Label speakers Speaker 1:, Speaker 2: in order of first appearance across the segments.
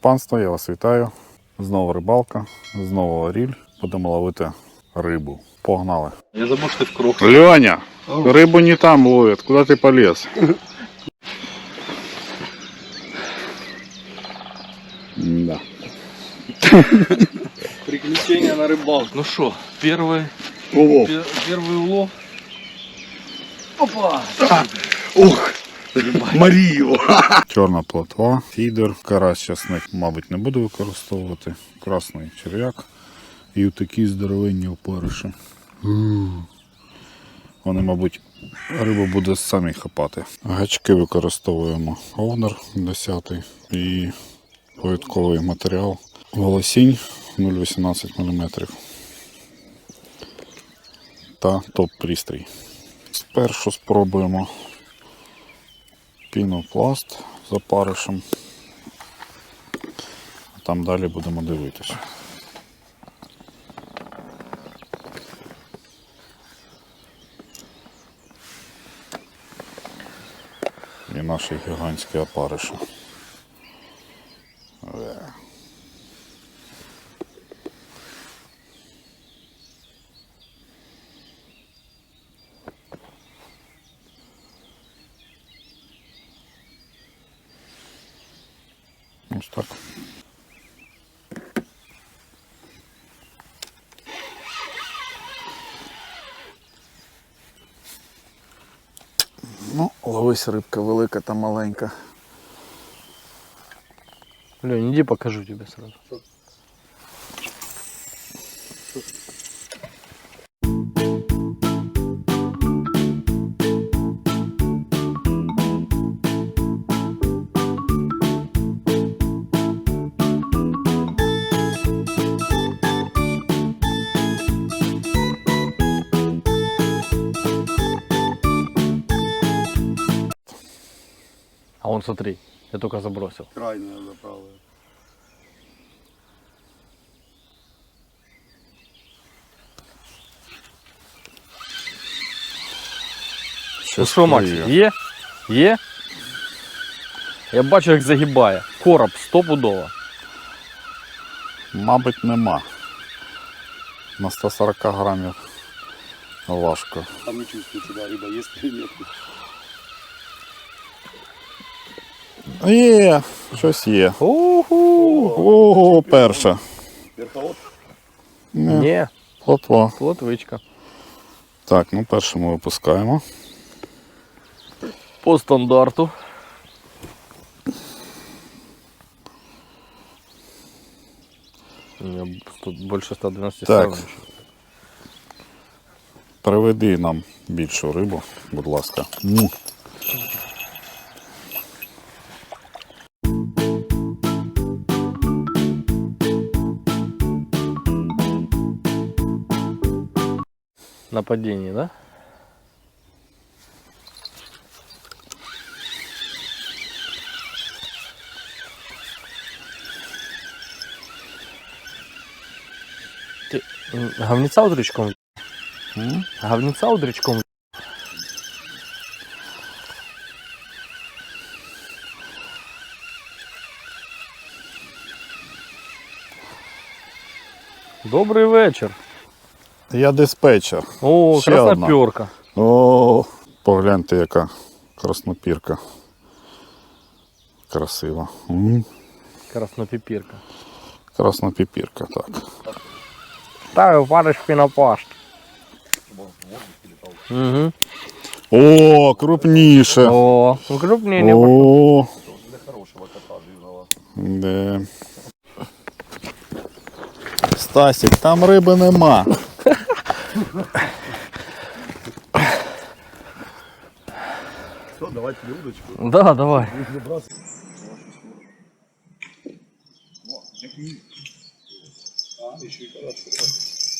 Speaker 1: панство, я вас вітаю. Знову рибалка, знову оріль. Будемо ловити рибу. Погнали.
Speaker 2: Я забыл, что ты в круг.
Speaker 1: Леня, рыбу не там ловят. Куда ты полез? Да.
Speaker 2: Приключения на рыбалке. Ну что, первый улов. Опа!
Speaker 1: Ух! Марію! Чорна плотва, фідер, карась часник, мабуть, не буду використовувати. Красний черв'як і такі здоровенні опариші. Вони, мабуть, рибу буде самі хапати. Гачки використовуємо овнер 10 і повідковий матеріал. Волосінь 0,18 мм. Та топ-пристрій. Спершу спробуємо пінопласт з опаришем. А там далі будемо дивитися. І наші гігантські опариші. Ось так. Ну, ловись рибка велика та маленька.
Speaker 2: Лень, иди покажу тебе сразу. А вон смотри, я только забросил.
Speaker 3: Крайняя заправа.
Speaker 2: Ну що, Макс, є? Є? Я бачу, як загибає. Короб стопудово.
Speaker 1: Мабуть, нема. На 140 грамів важко.
Speaker 3: Там не чувствуется, да, рыба есть или нет.
Speaker 1: Є, щось є.
Speaker 2: Уху!
Speaker 1: Ого, перша.
Speaker 3: Верховод?
Speaker 2: Ні,
Speaker 1: Плотва.
Speaker 2: плотвичка.
Speaker 1: Так, ну першу ми випускаємо.
Speaker 2: По стандарту. Тут більше 112
Speaker 1: Так.
Speaker 2: ставлю.
Speaker 1: Приведи нам більшу рибу, будь ласка. Ну.
Speaker 2: Нападение, да? Ты говнеца удрючком? Говнеца удрючком? Добрий вечір.
Speaker 1: Я диспетчер.
Speaker 2: О,
Speaker 1: Ще
Speaker 2: красноперка.
Speaker 1: О, погляньте, яка краснопірка. Красива.
Speaker 2: Краснопіпірка.
Speaker 1: Краснопіпірка, так.
Speaker 2: Ставив париш пінопласт. Угу.
Speaker 1: О, крупніше.
Speaker 2: О, ну крупнее.
Speaker 1: О,
Speaker 3: Для хорошего кота жирного.
Speaker 1: де. Стасік, там риби нема.
Speaker 3: Что, давайте удочку.
Speaker 2: Да, давай.
Speaker 3: Еще и хорошо.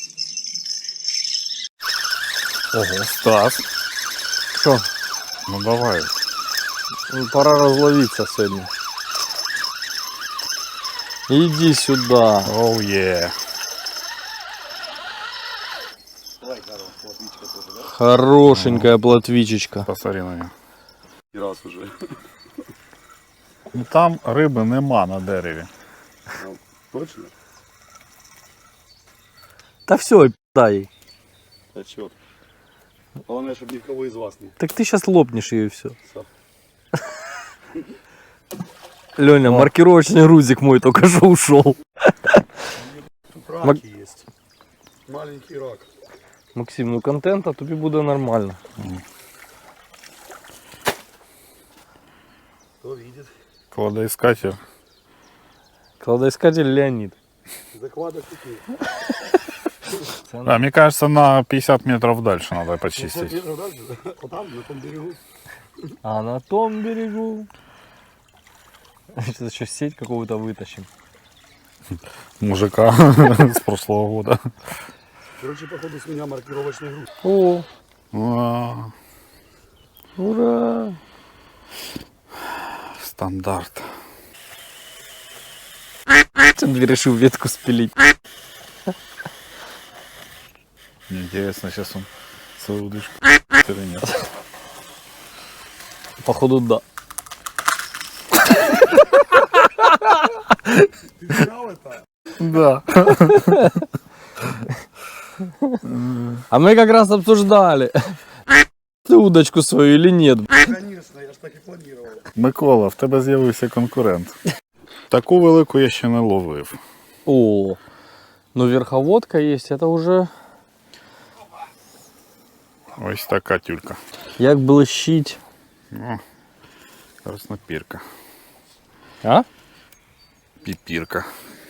Speaker 1: Ого, Стас.
Speaker 2: Що?
Speaker 1: Ну давай.
Speaker 2: Пора розловитися сьогодні. Иди сюда.
Speaker 1: Оу є.
Speaker 3: Давай, Карл, плотвичка тоже, да?
Speaker 2: Хорошенькая плотвичечка.
Speaker 1: Посмотри на нього.
Speaker 3: И раз уже.
Speaker 1: Ну, там риби нема на дереві.
Speaker 3: Точно?
Speaker 2: Та все, дай.
Speaker 3: А чё? Главное, чтобы никого из вас не...
Speaker 2: Так ты сейчас лопнешь ее и все.
Speaker 3: Всё.
Speaker 2: Леня, маркировочный грузик мой только что ушел.
Speaker 3: Тут раки есть. Маленький рак.
Speaker 2: Максим, ну контента тобі буде нормально.
Speaker 3: Кто видит?
Speaker 1: Кладоискатель.
Speaker 2: Кладоискатель Леонид.
Speaker 3: Закладок такие.
Speaker 1: А, мне кажется, на 50 метров дальше надо почистить.
Speaker 3: Вот там, на том берегу.
Speaker 2: А на том берегу. Сейчас еще сеть какого-то вытащим.
Speaker 1: Мужика с прошлого года.
Speaker 3: Короче, походу с меня маркировочный груз.
Speaker 2: О,
Speaker 1: А,
Speaker 2: ура!
Speaker 1: Стандарт.
Speaker 2: Андрей решил ветку спилить.
Speaker 1: Мне интересно, сейчас он свою удочку или нет.
Speaker 2: Походу, да.
Speaker 3: Ты знал это?
Speaker 1: Да.
Speaker 2: А мы как раз обсуждали, ты удочку свою или нет.
Speaker 3: Конечно, я ж так и планировал.
Speaker 1: Микола, в тебе з'явився конкурент. Таку велику я ще не ловив.
Speaker 2: О, ну верховодка есть, это уже
Speaker 1: Ось така тюлька.
Speaker 2: як блищить.
Speaker 1: О, краснопірка.
Speaker 2: А?
Speaker 1: Піпірка.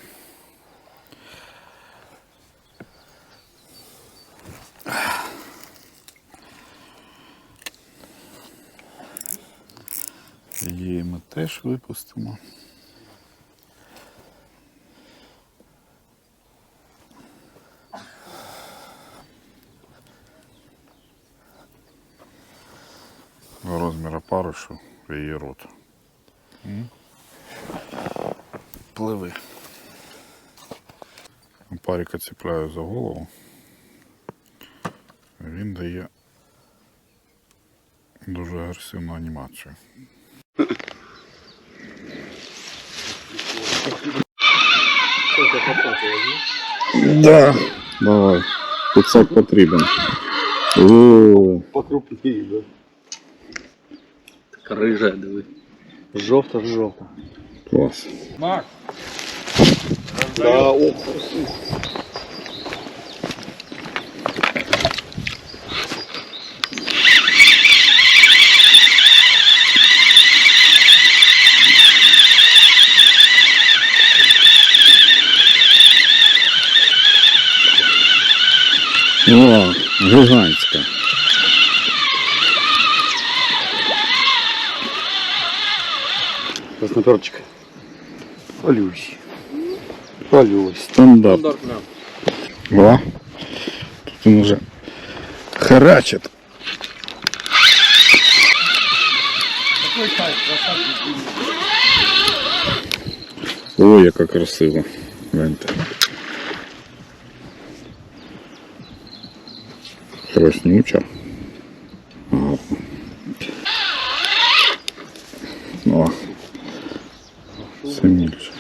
Speaker 1: Її ми теж випустимо. Розміру парушу в її рот. Пливи. Парика цепляю за голову. Він дає дуже агресивну анімацію. Да, давай. 500 потрібен. О,
Speaker 3: Покрупнее, да.
Speaker 2: Така рижа, диви. Жовта.
Speaker 1: клас.
Speaker 2: Мак.
Speaker 3: Да, ох.
Speaker 1: О, гігантська.
Speaker 3: Красноперчик.
Speaker 2: Полюсь.
Speaker 1: Стандарт. О, тут він уже харачить. Ой, яка красива. Гляньте. Краснюча. Гарно. О, сильніше.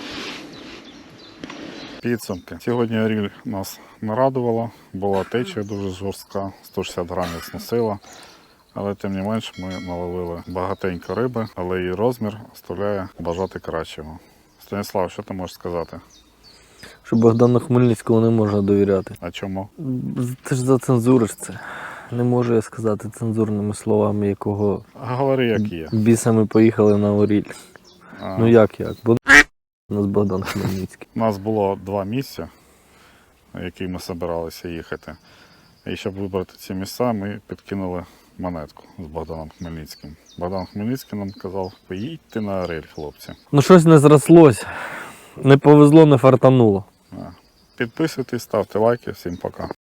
Speaker 1: Підсумки. Сьогодні ріль нас не радувала, була течія дуже жорстка, 160 грамів сносила. Але тим не менш ми наловили багатенько риби, але її розмір оставляє бажати кращого. Станіслав, що ти можеш сказати?
Speaker 2: Що Богдану Хмельницькому не можна довіряти.
Speaker 1: А чому?
Speaker 2: Ти ж зацензуриш це. Не можу я сказати цензурними словами, якого
Speaker 1: Говори, як є.
Speaker 2: біса ми поїхали на Оріль.
Speaker 1: А,
Speaker 2: Ну як? Бо у нас Богдан Хмельницький.
Speaker 1: У нас було 2 місця, в які ми збиралися їхати. І щоб вибрати ці місця, ми підкинули монетку з Богданом Хмельницьким. Богдан Хмельницький нам казав, поїдьте на Орель, хлопці.
Speaker 2: Ну щось не зрослось. Не повезло, не фартануло.
Speaker 1: Підписуйтесь, ставте лайки. Всім пока.